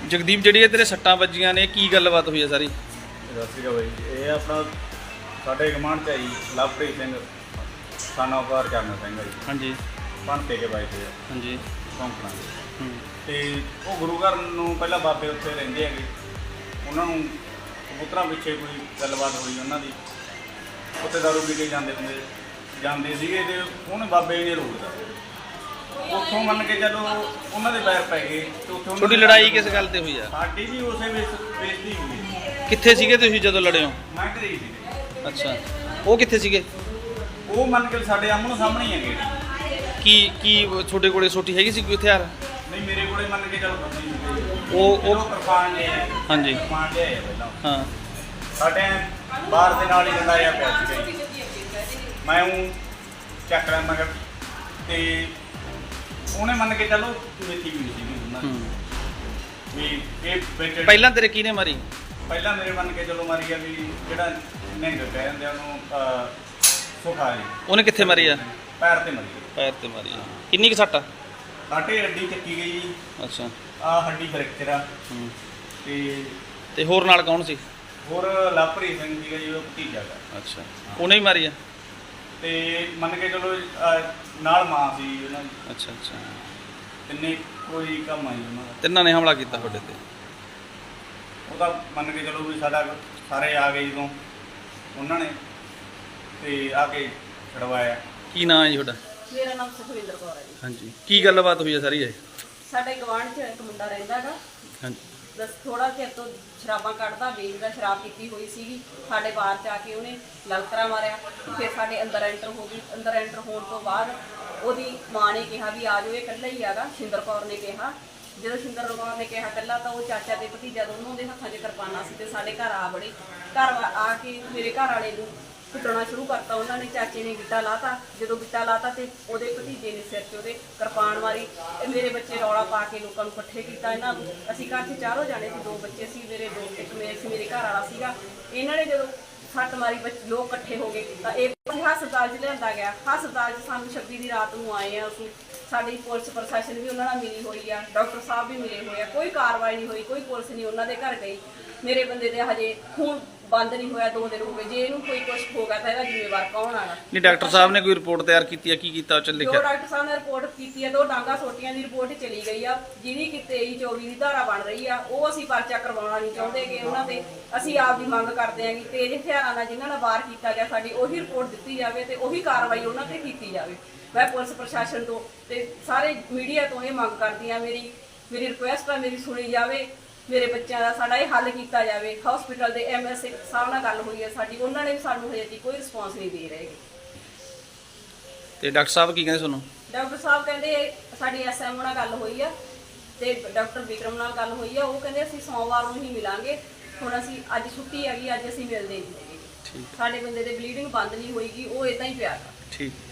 ਜਗਦੀਪ ਜਿਹੜੀ ਇਹ ਤੇਰੇ ਸੱਟਾਂ ਵੱਜੀਆਂ ਨੇ ਕੀ ਗੱਲਬਾਤ ਹੋਈ ਹੈ ਸਾਰੀ? ਸਤਿ ਸ਼੍ਰੀ ਅਕਾਲ ਬਾਈ। ਇਹ ਆਪਣਾ ਸਾਡੇ ਗਮਾਂਡ 'ਚ ਆਈ ਲਵਪ੍ਰੀਤ ਸਿੰਘ ਸਾਨਾ ਉਪਾਰ ਚਰਨ ਸਿੰਘ ਜੀ। ਹਾਂਜੀ ਭੰਤੇ ਕੇ ਬਾਈ ਤੇ ਹਾਂਜੀ ਸੌਂਕਣਾ ਤੇ ਉਹ ਗੁਰੂ ਘਰ ਨੂੰ ਪਹਿਲਾਂ ਬਾਬੇ ਉੱਥੇ ਰਹਿੰਦੇ ਹੈਗੇ, ਉਹਨਾਂ ਨੂੰ ਕਬੂਤਰਾਂ ਪਿੱਛੇ ਕੋਈ ਗੱਲਬਾਤ ਹੋਈ ਉਹਨਾਂ ਦੀ, ਉੱਥੇ ਦਾਰੂ ਪੀ ਕੇ ਜਾਂਦੇ ਸੀਗੇ ਤੇ ਉਹਨੇ ਬਾਬੇ ਨੇ ਰੋਕਦਾ, ਉੱਥੋਂ ਮੰਨ ਕੇ ਚਲੋ ਉਹਨਾਂ ਦੇ ਪੈਰ ਪੈ ਗਏ ਤੇ ਉੱਥੋਂ ਤੁਹਾਡੀ ਲੜਾਈ ਕਿਸ ਗੱਲ ਤੇ ਹੋਈ ਆ? ਸਾਡੀ ਵੀ ਉਸੇ ਬੇਇੱਜ਼ਤੀ ਹੋਈ। ਕਿੱਥੇ ਸੀਗੇ ਤੁਸੀਂ ਜਦੋਂ ਲੜੇ ਹੋ? ਮੈਂ ਘਰੇ ਸੀ। ਅੱਛਾ, ਉਹ ਕਿੱਥੇ ਸੀਗੇ? ਉਹ ਮੰਨ ਕੇ ਸਾਡੇ ਆਮਣੇ ਸਾਹਮਣੇ ਹੀ ਹੈਗੇ। ਕੀ ਤੁਹਾਡੇ ਕੋਲੇ ਸੋਟੀ ਹੈਗੀ ਸੀ ਕੋਈ ਹਥਿਆਰ? ਨਹੀਂ, ਮੇਰੇ ਕੋਲੇ ਮੰਨ ਕੇ ਚਲੋ ਉਹ ਕਿਰਪਾਨ ਨੇ। ਹਾਂਜੀ ਕਿਰਪਾਨ ਲਿਆਏ ਪਹਿਲਾਂ। ਹਾਂ, ਸਾਡੇ ਬਾਹਰ ਦੇ ਨਾਲ ਹੀ ਲੜਾਇਆ ਪਿਆ ਸੀਗਾ ਜੀ। ਮੈਂ ਉਹ ਚੱਕ ਰਿਹਾ ਮਗਰ ਤੇ ਉਹਨੇ ਮੰਨ ਕੇ ਚਲੋ ਮੇਥੀ ਵੀ ਸੀ ਉਹਨਾਂ ਦੀ ਵੀ ਇਹ ਵਿੱਚ ਪਹਿਲਾਂ ਤੇਰੇ ਕਿਹਨੇ ਮਾਰੀ? ਪਹਿਲਾਂ ਮੇਰੇ ਮੰਨ ਕੇ ਚਲੋ ਮਾਰੀ ਆ ਵੀ ਜਿਹੜਾ ਨਿਹੰਗ ਕਹਿ ਦਿੰਦੇ ਆ ਉਹਨੂੰ ਸੁਖਾ ਜੀ। ਉਹਨੇ ਕਿੱਥੇ ਮਾਰੀ ਆ? ਪੈਰ ਤੇ ਮਾਰੀ। ਪੈਰ ਤੇ ਮਾਰੀ ਆ। ਕਿੰਨੀ ਕੁ ਸੱਟ ਆ? ਸਾਡੇ ਹੱਡੀ ਚੱਕੀ ਗਈ ਜੀ। ਅੱਛਾ, ਆ ਹੱਡੀ ਫ੍ਰੈਕਚਰ ਆ। ਤੇ ਹੋਰ ਨਾਲ ਕੌਣ ਸੀ? ਹੋਰ ਲਵਪ੍ਰੀਤ ਸਿੰਘ ਸੀਗਾ ਜੀ, ਉਹ ਭਤੀਜਾ ਦਾ। ਅੱਛਾ, ਉਹਨੇ ਹੀ ਮਾਰੀ ਆ? ਤੇ ਮੰਨ ਕੇ ਚਲੋ ਨਾਲ ਮਾਂ ਸੀ ਉਹਨਾਂ ਦੀ। ਅੱਛਾ ਅੱਛਾ, ਤਿੰਨੇ ਕੋਈ ਕੰਮ ਆਈ ਉਹਨਾਂ ਦਾ। ਤਿੰਨਾਂ ਨੇ ਹਮਲਾ ਕੀਤਾ ਤੁਹਾਡੇ ਤੇ? ਉਹਦਾ ਮੰਨ ਕੇ ਚਲੋ ਵੀ ਸਾਡਾ ਸਾਰੇ ਆ ਗਏ ਜਦੋਂ ਉਹਨਾਂ ਨੇ ਤੇ ਆ ਕੇ ਛਡਵਾਇਆ। ਕੀ ਨਾਂ ਹੈ ਜੀ ਤੁਹਾਡਾ? ਮੇਰਾ ਨਾਮ ਸੁਖਵਿੰਦਰ ਕੌਰ ਹੈ ਜੀ। ਹਾਂਜੀ, ਕੀ ਗੱਲਬਾਤ ਹੋਈ ਹੈ ਸਾਰੀ ਇਹ? ਸਾਡੇ ਗਵਾਂਢ 'ਚ ਇੱਕ ਮੁੰਡਾ ਰਹਿੰਦਾ ਹੈਗਾ। ਹਾਂਜੀ, ਬਸ ਥੋੜਾ ਚਿਰ ਤੋਂ ਸ਼ਰਾਬਾਂ ਕੱਢਦਾ, ਵੇਚਦਾ, ਸ਼ਰਾਬ ਪੀਤੀ ਹੋਈ ਸੀਗੀ। ਸਾਡੇ ਬਾਹਰ 'ਚ ਆ ਕੇ ਉਹਨੇ ਲਲਕਰਾ ਮਾਰਿਆ। ਫਿਰ ਸਾਡੇ ਅੰਦਰ ਐਂਟਰ ਹੋ ਗਈ। ਅੰਦਰ ਐਂਟਰ ਹੋਣ ਤੋਂ ਬਾਅਦ ਉਹਦੀ ਮਾਂ ਨੇ ਕਿਹਾ ਵੀ ਆ ਜਾਓ, ਇਹ ਇਕੱਲਾ ਹੀ ਹੈਗਾ। ਸ਼ਿੰਦਰ ਕੌਰ ਨੇ ਕਿਹਾ। ਜਦੋਂ ਸ਼ਿੰਦਰ ਕੌਰ ਨੇ ਕਿਹਾ ਇਕੱਲਾ, ਤਾਂ ਉਹ ਚਾਚਾ ਤੇ ਭਤੀਜਾ ਦੋਨੋਂ ਦੇ ਹੱਥਾਂ 'ਚ ਕਿਰਪਾਨਾਂ ਸੀ ਤੇ ਸਾਡੇ ਘਰ ਆ ਬੜੇ। ਘਰ ਆ ਕੇ ਮੇਰੇ ਘਰ ਵਾਲੇ ਨੂੰ ਕੁੱਟਣਾ ਸ਼ੁਰੂ ਕਰਤਾ ਉਹਨਾਂ ਨੇ। ਚਾਚੇ ਨੇ ਗਿੱਟਾ ਲਾਤਾ। ਜਦੋਂ ਗਿੱਟਾ ਲਾਤਾ ਤੇ ਉਹਦੇ ਭਤੀਜੇ ਨੇ ਸਿਰ 'ਚ ਉਹਦੇ ਕਿਰਪਾਨ ਮਾਰੀ। ਮੇਰੇ ਬੱਚੇ ਰੌਲਾ ਪਾ ਕੇ ਲੋਕਾਂ ਨੂੰ ਇਕੱਠੇ ਕੀਤਾ ਇਹਨਾਂ ਨੂੰ। ਅਸੀਂ ਘਰ 'ਚ ਚਾਰੋਂ ਜਾਣੇ ਸੀ, 2 ਬੱਚੇ ਸੀ ਮੇਰੇ, 2 ਇੱਕ ਮੇਰੇ ਘਰ ਵਾਲਾ ਸੀਗਾ। ਇਹਨਾਂ ਨੇ ਜਦੋਂ ਸੱਟ ਮਾਰੀ, ਲੋਕ ਇਕੱਠੇ ਹੋ ਗਏ ਤਾਂ ਇਹ ਹਸਪਤਾਲ 'ਚ ਲਿਆਂਦਾ ਗਿਆ। ਹਸਪਤਾਲ 'ਚ ਸਾਨੂੰ 26 ਦੀ ਰਾਤ ਨੂੰ ਆਏ ਆ ਅਸੀਂ। ਸਾਡੀ ਪੁਲਿਸ ਪ੍ਰਸ਼ਾਸਨ ਵੀ ਉਹਨਾਂ ਨਾਲ ਮਿਲੀ ਹੋਈ ਆ, ਡਾਕਟਰ ਸਾਹਿਬ ਵੀ ਮਿਲੇ ਹੋਏ ਆ। ਕੋਈ ਕਾਰਵਾਈ ਨਹੀਂ ਹੋਈ, ਕੋਈ ਪੁਲਿਸ ਨਹੀਂ ਉਹਨਾਂ ਦੇ ਘਰ ਗਈ। ਮੇਰੇ ਬੰਦੇ ਦੇ ਹਜੇ ਖੂਨ ਬੰਦ ਨਹੀਂ ਹੋਇਆ, 2 ਦਿਨ ਹੋ ਗਏ। ਜੇ ਇਹਨੂੰ ਕੋਈ ਕੁਛ ਹੋ ਗਿਆ ਤਾਂ ਇਹਦਾ ਜ਼ਿੰਮੇਵਾਰ ਕੌਣ ਆਗਾ? ਨਹੀਂ, ਡਾਕਟਰ ਸਾਹਿਬ ਨੇ ਕੋਈ ਰਿਪੋਰਟ ਤਿਆਰ ਕੀਤੀ ਆ? ਕੀ ਕੀਤਾ ਉਹ ਚ ਜੋ ਲਿਖਿਆ? ਡਾਕਟਰ ਸਾਹਿਬ ਨੇ ਰਿਪੋਰਟ ਕੀਤੀ ਹੈ, 2 ਡਾਂਗਾ ਸੋਟੀਆਂ ਦੀ ਰਿਪੋਰਟ ਚਲੀ ਗਈ ਆ, ਜਿਹਦੀ ਕਿ 23-24 ਦੀ ਧਾਰਾ ਬਣ ਰਹੀ ਆ। ਉਹ ਅਸੀਂ ਪਰਚਾ ਕਰਵਾਉਣਾ ਨਹੀਂ ਚਾਹੁੰਦੇ ਕਿ ਉਹਨਾਂ ਤੇ ਅਸੀਂ ਆਪ ਦੀ ਮੰਗ ਕਰਦੇ ਹਾਂ ਕਿ ਤੇਜ਼ ਹਥਿਆਰਾਂ ਨਾਲ ਜਿਨ੍ਹਾਂ ਨਾਲ ਵਾਰ ਕੀਤਾ ਗਿਆ ਸਾਡੀ ਉਹੀ ਰਿਪੋਰਟ ਦਿੱਤੀ ਜਾਵੇ ਤੇ ਉਹੀ ਕਾਰਵਾਈ ਉਹਨਾਂ ਤੇ ਕੀਤੀ ਜਾਵੇ। ਮੈਂ ਪੁਲਿਸ ਪ੍ਰਸ਼ਾਸਨ ਤੋਂ ਤੇ ਸਾਰੇ ਮੀਡੀਆ ਤੋਂ ਇਹ ਮੰਗ ਕਰਦੀ ਹਾਂ, ਮੇਰੀ ਰਿਕੁਐਸਟ ਆ, ਮੇਰੀ ਸੁਣੀ ਜਾਵੇ। ਮੇਰੇ ਬੱਚਿਆਂ ਦਾ ਸਾਡਾ ਇਹ ਹੱਲ ਕੀਤਾ ਜਾਵੇ। ਹਸਪੀਟਲ ਦੇ MSA ਸਾਹਿਬ ਨਾਲ ਗੱਲ ਹੋਈ ਹੈ ਸਾਡੀ, ਉਹਨਾਂ ਨੇ ਵੀ ਸਾਨੂੰ ਹਜੇ ਤੱਕ ਕੋਈ ਰਿਸਪੌਂਸ ਨਹੀਂ ਦੇ ਰਹੇ। ਤੇ ਡਾਕਟਰ ਸਾਹਿਬ ਕੀ ਕਹਿੰਦੇ ਤੁਹਾਨੂੰ? ਡਾਕਟਰ ਸਾਹਿਬ ਕਹਿੰਦੇ ਸਾਡੀ SM ਨਾਲ ਗੱਲ ਹੋਈ ਆ ਤੇ ਡਾਕਟਰ ਵਿਕਰਮ ਨਾਲ ਗੱਲ ਹੋਈ ਆ। ਉਹ ਕਹਿੰਦੇ ਅਸੀਂ ਸੋਮਵਾਰ ਨੂੰ ਹੀ ਮਿਲਾਂਗੇ। ਹੁਣ ਅਸੀਂ ਅੱਜ ਛੁੱਟੀ ਹੈਗੀ, ਅੱਜ ਅਸੀਂ ਮਿਲਦੇ ਨਹੀਂ ਹੈਗੇ। ਸਾਡੇ ਬੰਦੇ ਦੇ ਬਲੀਡਿੰਗ ਬੰਦ ਨਹੀਂ ਹੋਏਗੀ, ਉਹ ਇਦਾਂ ਹੀ ਪਿਆ। ਠੀਕ।